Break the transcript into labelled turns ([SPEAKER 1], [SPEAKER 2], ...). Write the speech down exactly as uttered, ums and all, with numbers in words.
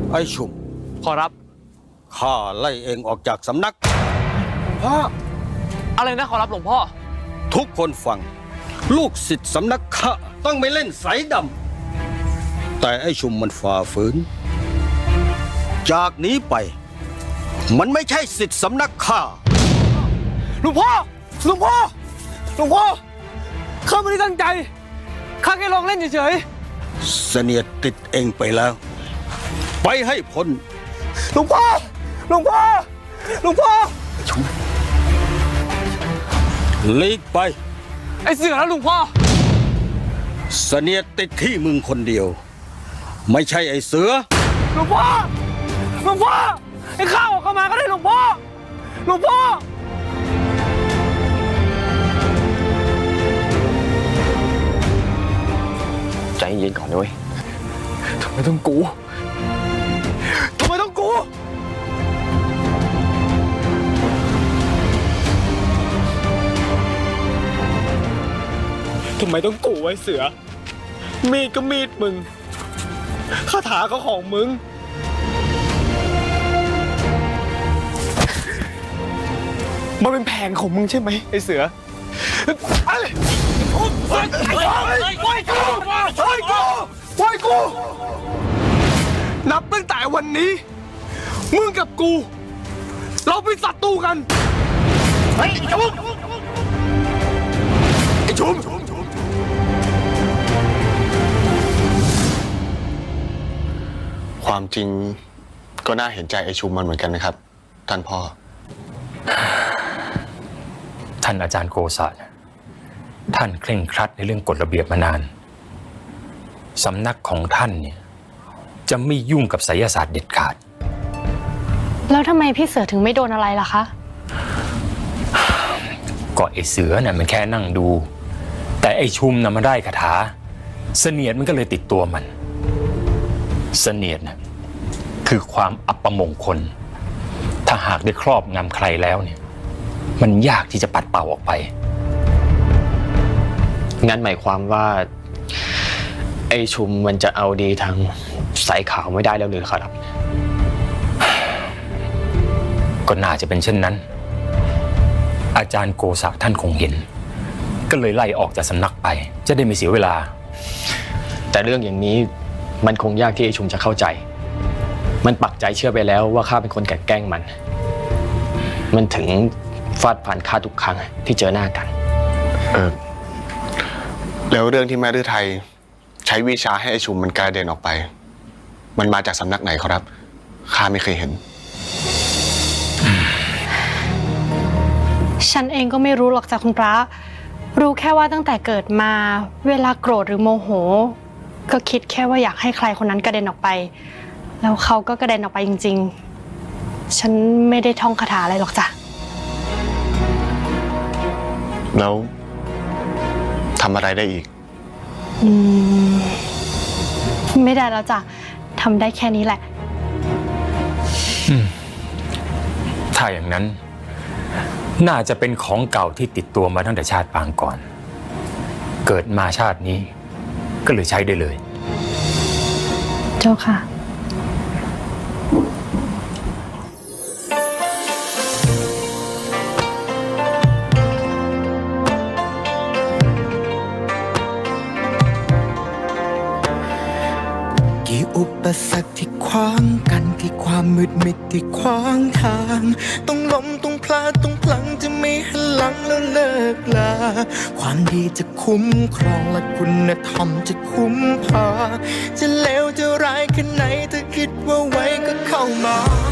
[SPEAKER 1] ไอ้ชุม
[SPEAKER 2] ขอรับ
[SPEAKER 1] ข้าไล่เองออกจากสำนัก
[SPEAKER 2] พ่ออะไรนะขอรับหลวงพ่อ
[SPEAKER 1] ทุกคนฟังลูกศิษย์สำนักข้าต้องไม่เล่นสายดำแต่ไอ้ชุมมันฝ่าฝืนจากนี้ไปมันไม่ใช่ศิษย์สำนักข้า
[SPEAKER 2] หลวงพ่อหลวงพ่อหลวงพ่อข้าไม่ได้ตั้งใจข้าแค่ลองเล่นเฉย
[SPEAKER 1] ๆเสนียดติดเองไปแล้วไปให้พ้น
[SPEAKER 2] หลวงพ่อหลวงพ่อหลวงพ่อ
[SPEAKER 1] ลีกไป
[SPEAKER 2] ไอ้เสือแล้วหลวงพ่อ
[SPEAKER 1] เสนียดติดที่มึงคนเดียวไม่ใช่ไอ้เสือ
[SPEAKER 2] หลวงพ่อหลวงพ่อไอ้ข้าออกเข้ามาก็ได้หลวงพ่อหลวงพ่อ
[SPEAKER 3] ใจเย็นก่อนด้วย
[SPEAKER 2] ทำไมต้องกูทำไมต้องกูทำไมต้องกูไว้เสือมีดก็มีดมึงคาถาก็ของมึงมันเป็นแผนของมึงใช่ไหมไอ้เสือไอ้ปล่อยกูปล่อยกูปล่อยกูปล่อยกูนับตั้งแต่วันนี้มึงกับกูเราเป็นศัตรูกันไอ้ชุมไอ้ชุม
[SPEAKER 3] ความจริงก็น่าเห็นใจไอ้ชุมมันเหมือนกันนะครับท่านพ่อ
[SPEAKER 4] ท่านอาจารย์โกษะท่านเคร่งครัดในเรื่องกฎระเบียบมานานสำนักของท่านเนี่ยจะไม่ยุ่งกับไสยศาสตร์เด็ดขาด
[SPEAKER 5] แล้วทำไมพี่เสือถึงไม่โดนอะไรล่ะคะ
[SPEAKER 4] ก็ไอ้เสือน่ะมันแค่นั่งดูแต่ไอ้ชุมน่ะมันได้คาถาเสนียดมันก็เลยติดตัวมันเสนียดน่ะคือความอัปมงคลถ้าหากได้ครอบงำใครแล้วเนี่ยมันยากที่จะปัดเป่าออกไป
[SPEAKER 3] งั้นหมายความว่าไอ้ชุมมันจะเอาดีทางสายขาวไม่ได้แล้วหรือครับ
[SPEAKER 4] ก็น่าจะเป็นเช่นนั้นอาจารย์โกษะท่านคงเห็นก็เลยไล่ออกจากสำนักไปจะได้ไม่เสียเวลา
[SPEAKER 3] แต่เรื่องอย่างนี้มันคงยากที่ไอ้ชุมจะเข้าใจมันปักใจเชื่อไปแล้วว่าข้าเป็นคนแกล้งมันมันถึงฟาดฟันข้าทุกครั้งที่เจอหน้ากันเออแล้วเรื่องที่แม่ฤทัยใช้วิชาให้ไอ้ชุมมันกระเด็นออกไปมันมาจากสำนักไหนครับข้าไม่เคยเห็น
[SPEAKER 5] ฉันเองก็ไม่รู้หรอกจากคุณพระรู้แค่ว่าตั้งแต่เกิดมาเวลาโกรธหรือโมโหก็คิดแค่ว่าอยากให้ใครคนนั้นกระเด็นออกไปแล้วเขาก็กระเด็นออกไปจริงๆฉันไม่ได้ท่องคาถาอะไรหรอกจ้ะ
[SPEAKER 3] แล้วทำอะไรได้อีก
[SPEAKER 5] อืมไม่ได้แล้วจ้ะทำได้แค่นี้แหละ
[SPEAKER 4] ถ้าอย่างนั้นน่าจะเป็นของเก่าที่ติดตัวมาตั้งแต่ชาติปางก่อนเกิดมาชาตินี้ก็เลยใช้ได้เลย
[SPEAKER 5] เจ้าค่ะ
[SPEAKER 6] กี่อุปสรรคที่ขวางกันกี่ความมืดมิดที่ขวางทางต้องล้มต้องพลาดต้องพลังจะไม่หันหลังแล้วเลิกลาความดีจะคุ้มครองและคุณธรรมจะคุ้มพาจะเลวจะร้ายแค่ไหนถ้าคิดว่าไว้ก็เข้ามา